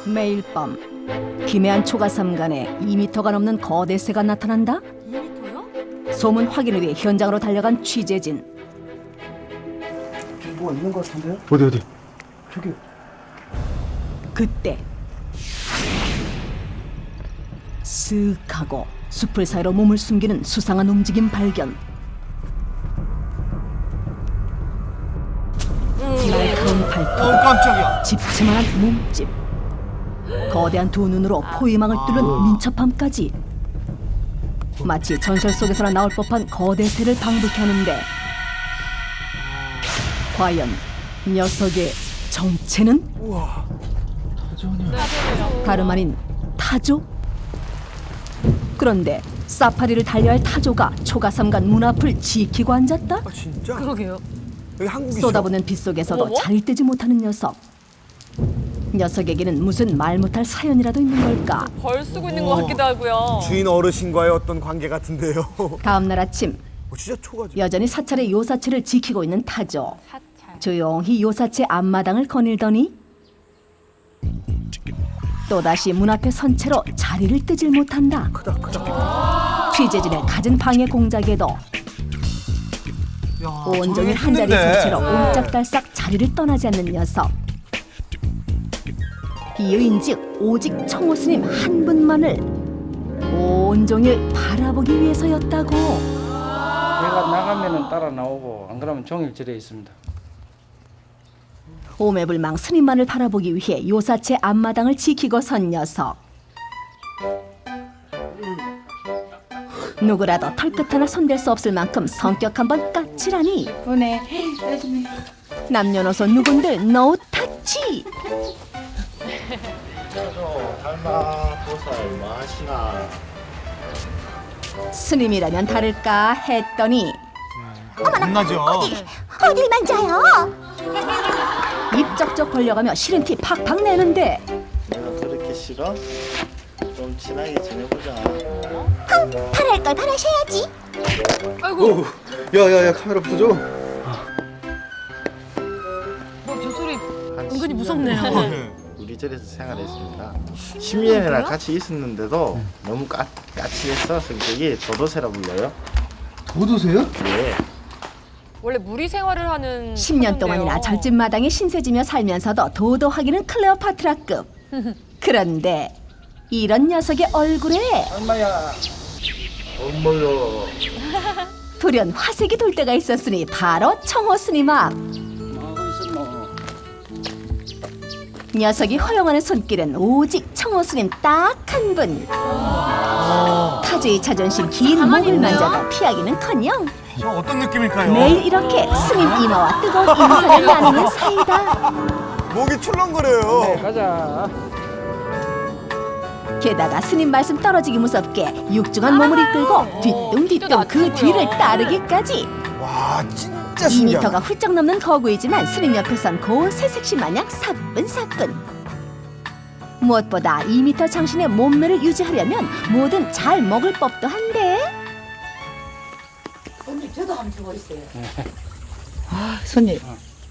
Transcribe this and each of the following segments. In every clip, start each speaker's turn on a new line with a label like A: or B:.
A: 매일 밤 기매한 초가삼간에 2m가 넘는 거대 새가 나타난다.
B: 2m요?
A: 소문 확인을 위해 현장으로 달려간 취재진.
C: 저기 뭐가 있는 것 같은데요?
D: 어디?
C: 저기.
A: 그때 쓱 하고 숲을 사이로 몸을 숨기는 수상한 움직임 발견. 날카로운 발톱,
D: 깜짝이야.
A: 집채만한 몸집, 거대한 두 눈으로 포위망을 뚫는 민첩함까지. 마치 전설 속에서나 나올 법한 거대 새를 방불케 하는데 과연 녀석의 정체는? 다름 아닌 타조? 그런데 사파리를 달려야 할 타조가 초가삼간 문 앞을 지키고 앉았다?
D: 아 진짜?
B: 그러게요.
D: 여기 한국이죠?
A: 쏟아부는 빛 속에서도
B: 어머?
A: 자리를 뜨지 못하는 녀석. 녀석에게는 무슨 말 못할 사연이라도 있는 걸까?
B: 벌 쓰고 있는 것 같기도 하고요.
D: 주인 어르신과의 어떤 관계 같은데요.
A: 다음 날 아침
D: 진짜 초가죠.
A: 여전히 사찰의 요사체를 지키고 있는 타조.
B: 사찰.
A: 조용히 요사체 앞마당을 거닐더니 또다시 문 앞에 선 채로 자리를 뜨질 못한다. 취재진의 갖은 방해 공작에도 온종일 한자리 선 채로 옴짝달싹 자리를 떠나지 않는 녀석. 이유인즉 오직 청호스님 한 분만을 온종일 바라보기 위해서였다고.
E: 내가 나가면은 따라 나오고 안 그러면 종일 절에 있습니다.
A: 오매불망 스님만을 바라보기 위해 요사체 앞마당을 지키고 선 녀석. 누구라도 털끝 하나 손댈 수 없을 만큼 성격 한번 까칠하니 남녀노소 누군들 노 타치.
F: 달마 보살 뭐 하시나.
A: 스님이라면 다를까 했더니
D: 겁나죠.
A: 어딜 만져요? 입 쩍쩍 벌려가며 싫은 티 팍팍 내는데
F: 내가 그렇게 싫어? 좀 친하게 지내보자.
A: 바랄 걸 바라셔야지.
B: 아이고,
C: 야야야 카메라 부서져.
B: 저 소리
F: 한
B: 은근히
F: 10년
B: 무섭네요.
F: 동안 우리 절에서 생활했습니다. 10년이나 같이 있었는데도 너무 까칠해서 성격이 도도새라 불려요.
C: 도도새요?
F: 예.
B: 원래 무리 생활을 하는
A: 10년 동안이나 절집마당에 신세지며 살면서도 도도하기는 클레오파트라급. 그런데 이런 녀석의 얼굴에
E: 엄마야.
F: 엄마야.
A: 돌연 화색이 돌 때가 있었으니 바로 청호 스님 앞.
E: 하고 있었노.
A: 녀석이 허용하는 손길은 오직 청호 스님 딱 한 분. 타조의 자존심 긴 목을 만져도 피하기는커녕
D: 저 어떤 느낌일까요?
A: 매일 이렇게 스님 이마와 뜨거운 인사를 나누는 사이다.
D: 목이 출렁거려요.
E: 네, 가자.
A: 게다가 스님 말씀 떨어지기 무섭게 육중한 몸을 이끌고 뒤뚱뒤뚱 그 뒤를 따르기까지.
D: 와 진짜 신기하다.
A: 2m가 훌쩍 넘는 거구이지만 스님 옆에선 고운 새색시 마냥 사뿐사뿐. 무엇보다 2m 장신의 몸매를 유지하려면 뭐든 잘 먹을 법도 한데
G: 손님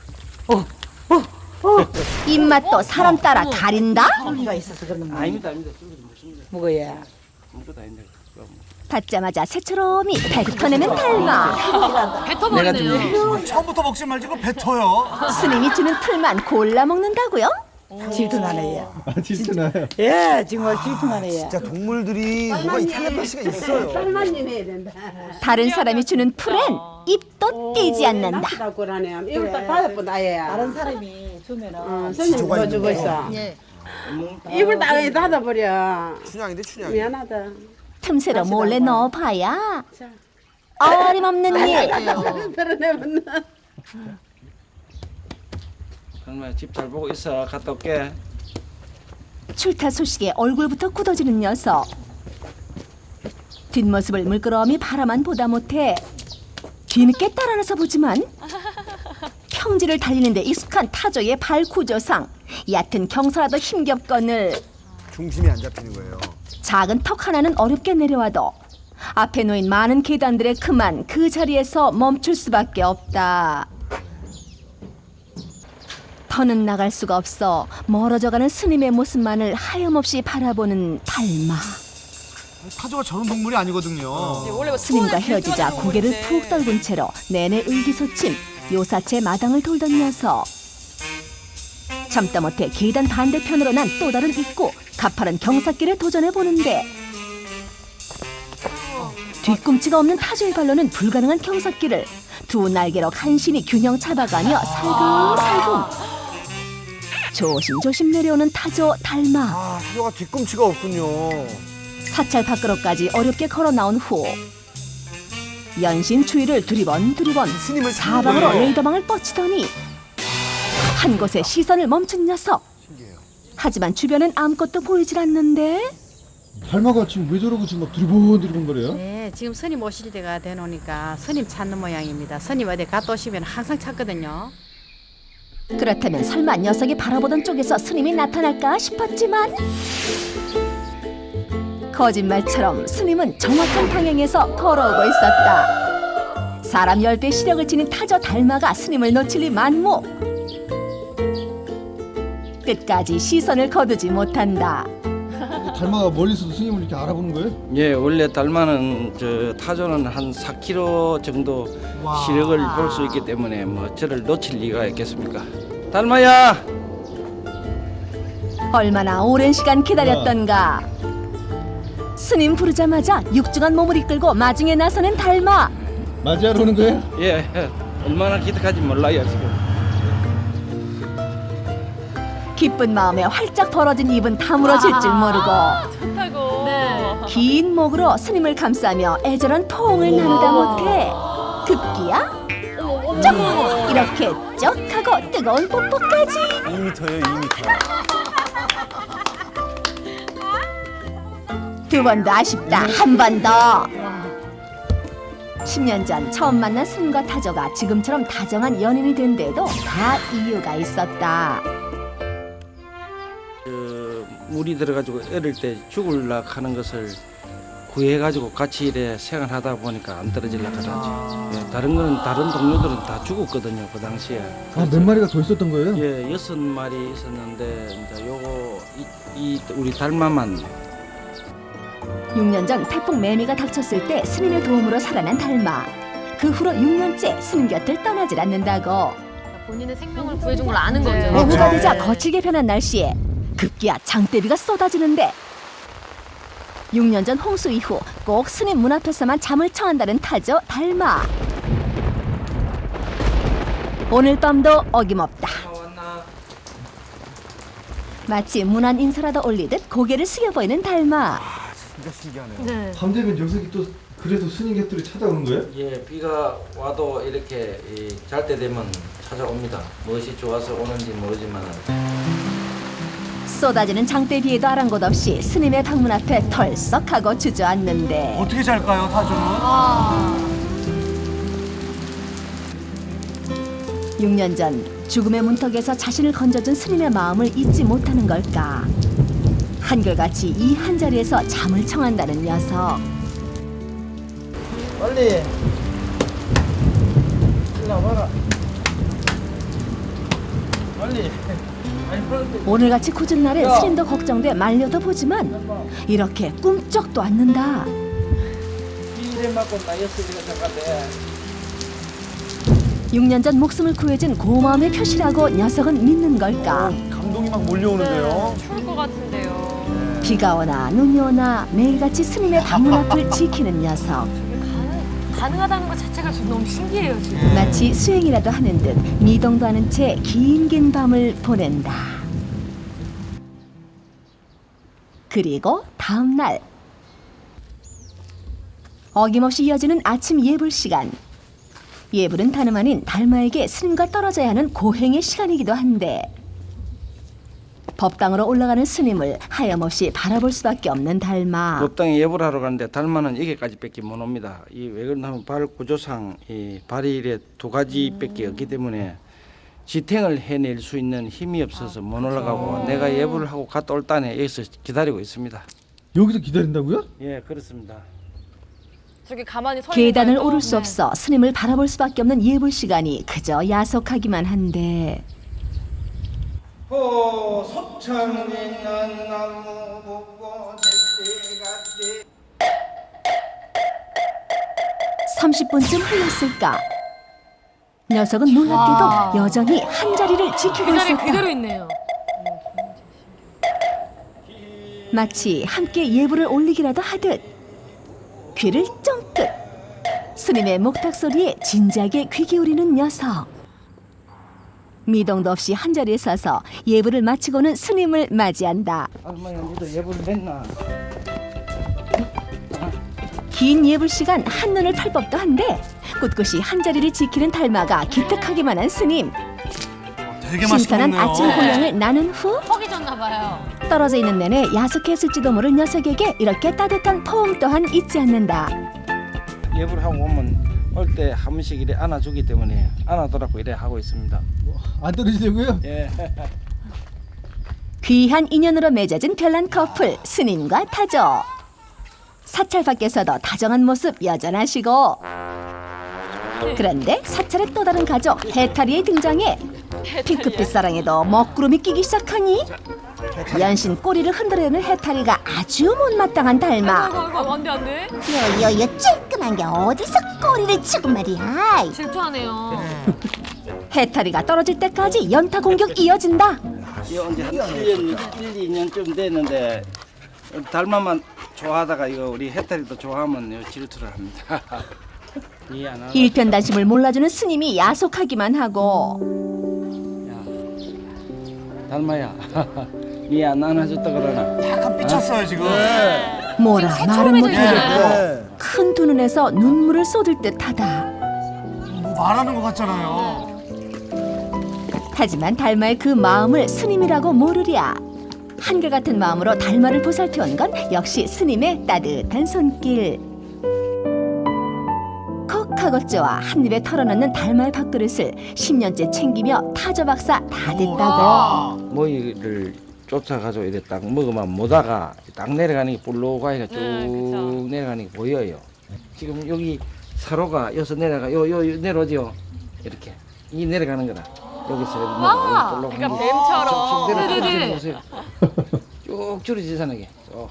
A: 입맛도 사람 따라 가린다?
G: 소리가 있어서 그러는 거
E: 아닙니다.
G: 먹어야.
E: 아무것도 아닌데.
A: 받자마자 새처럼이 뱉어내는 달마.
B: 뱉어버리네요.
D: 처음부터 먹지 말고 뱉어요.
A: 스님이 주는 풀만 골라 먹는다고요?
G: 질투나네 얘.
C: 아 진짜나요?
G: 예, 정말 질투나네 얘.
D: 진짜 동물들이 뭐가 이 텔레파시가 있어요.
A: 다른 사람이 주는 풀엔 입도 떼지 않는다.
H: 낚시라고라네. 이걸 딱 받아본 아예야.
G: 다른 사람이 주면은
H: 선생님
D: 지조가
H: 뭐 주고
D: 있는
H: 있어.
B: 예.
H: 입을 딱 닫아버려.
D: 춘향인데 춘향이.
H: 미안하다.
A: 틈새로 몰래 넣어봐야 어림없는 일.
H: 그러네면
E: 정말 집 잘 보고 있어. 갔다 올게.
A: 출타 소식에 얼굴부터 굳어지는 녀석. 뒷모습을 물끄러미 바라만 보다 못해 뒤늦게 따라나서 보지만 평지를 달리는데 익숙한 타조의 발 구조상 얕은 경사라도 힘겹거늘
D: 중심이 안 잡히는 거예요.
A: 작은 턱 하나는 어렵게 내려와도 앞에 놓인 많은 계단들의 그만 그 자리에서 멈출 수밖에 없다. 더는 나갈 수가 없어 멀어져가는 스님의 모습만을 하염없이 바라보는 달마.
D: 타조가 저런 동물이 아니거든요.
B: 원래 뭐
A: 스님과
B: 투어를
A: 헤어지자
B: 질주하는
A: 고개를
B: 동물인데.
A: 푹 떨군 채로 내내 의기소침 요사체 마당을 돌던 녀석. 참다 못해 계단 반대편으로 난 또 다른 입구 가파른 경사길에 도전해 보는데 뒤꿈치가 없는 타조의 발로는 불가능한 경사길을 두 날개로 간신히 균형 잡아가며 살금살금 조심조심 내려오는 타조 달마.
D: 아, 타조가 뒤꿈치가 없군요.
A: 사찰 밖으로까지 어렵게 걸어 나온 후 연신 추위를 두리번
D: 스님을
A: 사방으로
D: 찾는 거예요.
A: 레이더망을 뻗치더니 한 곳에 시선을 멈춘 녀석.
D: 신기해요.
A: 하지만 주변엔 아무것도 보이질 않는데
C: 달마가 지금 왜 저러고 지금 막 두리번 거려요?
I: 네, 지금 스님 오실 때가 되노니까 스님 찾는 모양입니다. 스님 어디 갔다 오시면 항상 찾거든요.
A: 그렇다면 설마 녀석이 바라보던 쪽에서 스님이 나타날까 싶었지만 거짓말처럼 스님은 정확한 방향에서 걸어오고 있었다. 사람 10배 시력을 지닌 타조 달마가 스님을 놓칠 리 만무. 끝까지 시선을 거두지 못한다.
C: 달마가 멀리서도 스님을 이렇게 알아보는 거예요?
E: 예, 원래 달마는 저 타조는 한 4km 정도
D: 와.
E: 시력을 볼 수 있기 때문에 뭐 저를 놓칠 리가 있겠습니까? 달마야!
A: 얼마나 오랜 시간 기다렸던가. 스님 부르자마자 육중한 몸을 이끌고 마중에 나서는 달마.
C: 맞이하러 오는 거예요?
E: 예, 얼마나 기특한지 몰라요 지금.
A: 기쁜 마음에 활짝 벌어진 입은 다물어질 줄 모르고
B: 좋다고. 네.
A: 긴 목으로 스님을 감싸며 애절한 포옹을 나누다 못해 급기야 쩍 이렇게 쩍 하고 뜨거운 뽀뽀까지.
D: 2m예요, 2m.
A: 두 번도 아쉽다. 한 번 더. 10년 전 처음 만난 스님과 타조가 지금처럼 다정한 연인이 된 데도 다 이유가 있었다.
E: 물이 들어가지고 어릴 때 죽을라 하는 것을 구해가지고 같이 이래 생활하다 보니까 안 떨어질라 그러지. 예, 다른 거는 다른 동료들은 다 죽었거든요 그 당시에.
C: 아, 몇 마리가 더 있었던 거예요?
E: 예, 6마리 있었는데 이제 요거 이 우리 달마만
A: 6년 전 태풍 매미가 닥쳤을 때 스님의 도움으로 살아난 달마. 그 후로 6년째 스님 곁을 떠나질 않는다고.
B: 본인의 생명을 구해준 걸 아는 거죠.
A: 오후가 되자 거칠게 변한 날씨에 급기야 장대비가 쏟아지는데 6년 전 홍수 이후 꼭 스님 문 앞에서만 잠을 청한다는 타조 달마. 오늘 밤도 어김없다. 마치 문안 인사라도 올리듯 고개를 숙여 보이는 달마.
D: 진짜 신기하네요.
B: 네.
C: 밤 되면 녀석이 또 그래도 스님 곁으로 찾아오는 거예요?
E: 예, 비가 와도 이렇게 잘 때 되면 찾아옵니다. 무엇이 좋아서 오는지 모르지만
A: 쏟아지는 장대비에도 아랑곳 없이 스님의 방문 앞에 털썩하고 주저앉는데
D: 어떻게 잘까요, 타조는?
A: 6년 전 죽음의 문턱에서 자신을 건져준 스님의 마음을 잊지 못하는 걸까. 한결같이 이 한자리에서 잠을 청한다는 녀석.
E: 빨리 일어나봐라. 빨리.
A: 오늘같이 굳은 날엔 스님도 걱정돼 말려도 보지만 이렇게 꿈쩍도 않는다.
E: 이래 맞고 나였으니까 잠깐데.
A: 6년 전 목숨을 구해준 고마움의 표시라고 녀석은 믿는 걸까.
D: 감동이 막 몰려오는데요.
B: 추울 것 같은데요.
A: 비가 오나 눈이 오나 매일같이 스님의 방문 앞을 지키는 녀석.
B: 가능하다는 것 자체가 좀 너무 신기해요 지금.
A: 마치 수행이라도 하는 듯 미동도 않은 채 긴 밤을 보낸다. 그리고 다음 날 어김없이 이어지는 아침 예불 시간. 예불은 다름 아닌 달마에게 스님과 떨어져야 하는 고행의 시간이기도 한데 법당으로 올라가는 스님을 하염없이 바라볼 수밖에 없는 달마.
E: 법당에 예불 하러 가는데 달마는 여기까지밖에 못 옵니다. 이 왜 그러냐면 발 구조상 이 발이 이래 두 가지밖에 없기 때문에 지탱을 해낼 수 있는 힘이 없어서 못 올라가고 내가 예불을 하고 갔다 올 딴에 여기서 기다리고 있습니다.
C: 여기서 기다린다고요?
E: 예, 그렇습니다.
B: 저기 가만히 서 있는
A: 계단을
B: 거예요, 또?
A: 오를 수
B: 네.
A: 없어 스님을 바라볼 수밖에 없는 예불 시간이 그저 야속하기만 한데
E: 호 소창에 난 나무 보고 제때같이
A: 30분쯤 흘렀을까? 녀석은 놀랍게도 여전히 한 자리를 지키고
B: 그 자리
A: 있었다.
B: 그대로 있네요.
A: 마치 함께 예불을 올리기라도 하듯 귀를 쫑긋 스님의 목탁 소리에 진지하게 귀 기울이는 녀석. 미동도 없이 한 자리에 서서 예불을 마치고는 스님을 맞이한다.
E: 할머니 니도 예불 냈나?
A: 긴 예불 시간 한눈을 팔 법도 한데 꿋꿋이 한 자리를 지키는 달마가 기특하기만 한 스님.
D: 되게 맛있게
A: 신선한
D: 먹네요.
A: 아침 공양을 나눈 후
B: 퍽이 졌나 봐요.
A: 떨어져 있는 내내 야속했을지도 모를 녀석에게 이렇게 따뜻한 포옹 또한 잊지 않는다.
E: 예불 하고 오면 올 때 한 번씩 이래 안아주기 때문에 안아더라고 이래 하고 있습니다.
C: 안 떨어지려고요?
E: 예.
A: 귀한 인연으로 맺어진 별난 커플 스님과 타조. 사찰 밖에서도 다정한 모습 여전하시고 그런데 사찰의 또 다른 가족 해탈이의 등장에 핑크빛 사랑에도 먹구름이 끼기 시작하니 연신 꼬리를 흔들어대는 해탈이가 아주 못마땅한 달마.
B: 아이고 안돼 안돼.
A: 여여 찔끔한 게 어디서 꼬리를 치고 말이야.
B: 질투하네요.
A: 해탈이가 떨어질 때까지 연타 공격 이어진다.
E: 이거 언제 한 1년, 2년쯤 됐는데 달마만 좋아하다가 이거 우리 해탈이도 좋아하면 이거 질투를 합니다. 이해 안 하나?
A: 일편단심을 몰라주는 스님이 야속하기만 하고
E: 달마야, 니 안 안아줬다 그러나?
D: 약간 삐쳤어요 지금.
A: 뭐라 말은 못하겠고
D: 네.
A: 큰 두 눈에서 눈물을 쏟을 듯하다.
D: 뭐 말하는 것 같잖아요.
A: 하지만 달마의 그 마음을 스님이라고 모르랴. 한결같은 마음으로 달마를 보살펴온 건 역시 스님의 따뜻한 손길. 콕 하고 쪼아 한 입에 털어넣는 달마의 밥그릇을 10년째 챙기며 타조 박사 다 됐다고.
E: 모이를 쫓아가지고 이래 딱 먹으면 모다가 딱 내려가는 게 볼록하니까 쭉
B: 그쵸.
E: 내려가는 게 보여요. 지금 여기 사로가 여기서 내려가 요 내려오죠. 이렇게 이 내려가는 거라. 여기서
B: 와,
E: 볼록한
B: 그러니까
E: 게.
B: 뱀처럼.
E: 지금
B: 네네네.
E: 내려가는 거 보세요. 쭉 줄어지잖아요.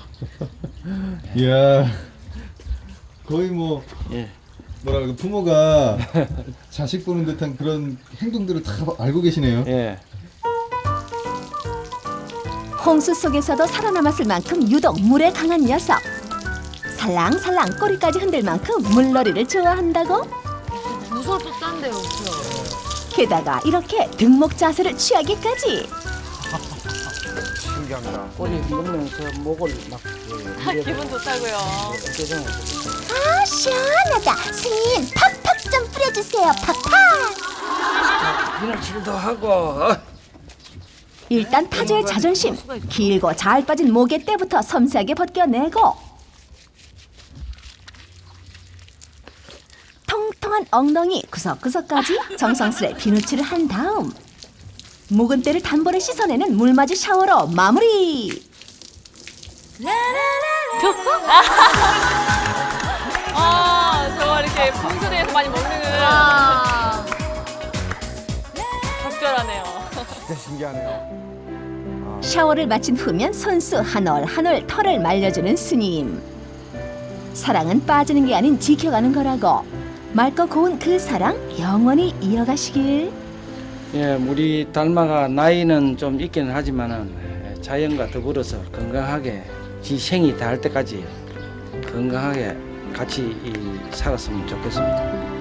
C: 이야 거의 뭐
E: 예.
C: 뭐라 그럴까 부모가 자식 보는 듯한 그런 행동들을 다 알고 계시네요.
E: 예.
A: 홍수 속에서도 살아남았을 만큼 유독 물에 강한 녀석. 살랑살랑 꼬리까지 흔들 만큼 물놀이를 좋아한다고?
B: 무서울 법도 한데요. 그죠?
A: 게다가 이렇게 등목 자세를 취하기까지.
D: 신기합니다.
E: 꼬리 흔들면서 목을 막
B: 기분 좋다고요.
A: 아 시원하다. 스님 팍팍 좀 뿌려주세요. 팍팍.
E: 비늘칠도 하고.
A: 일단 타조의 자존심. 길고 잘 빠진 목의 때부터 섬세하게 벗겨내고 통통한 엉덩이 구석구석까지 정성스레 비누칠을 한 다음 묵은 때를 단번에 씻어내는 물맞이 샤워로 마무리.
B: 아, 저거 이렇게 분수대에서 많이 먹는. 적절하네요.
D: 진짜 신기하네요.
A: 샤워를 마친 후면 손수 한 올 한 올 털을 말려주는 스님. 사랑은 빠지는 게 아닌 지켜가는 거라고. 맑고 고운 그 사랑 영원히 이어가시길.
E: 예, 우리 달마가 나이는 좀 있기는 하지만은 자연과 더불어서 건강하게 지 생이 닿을 때까지 건강하게 같이 살았으면 좋겠습니다.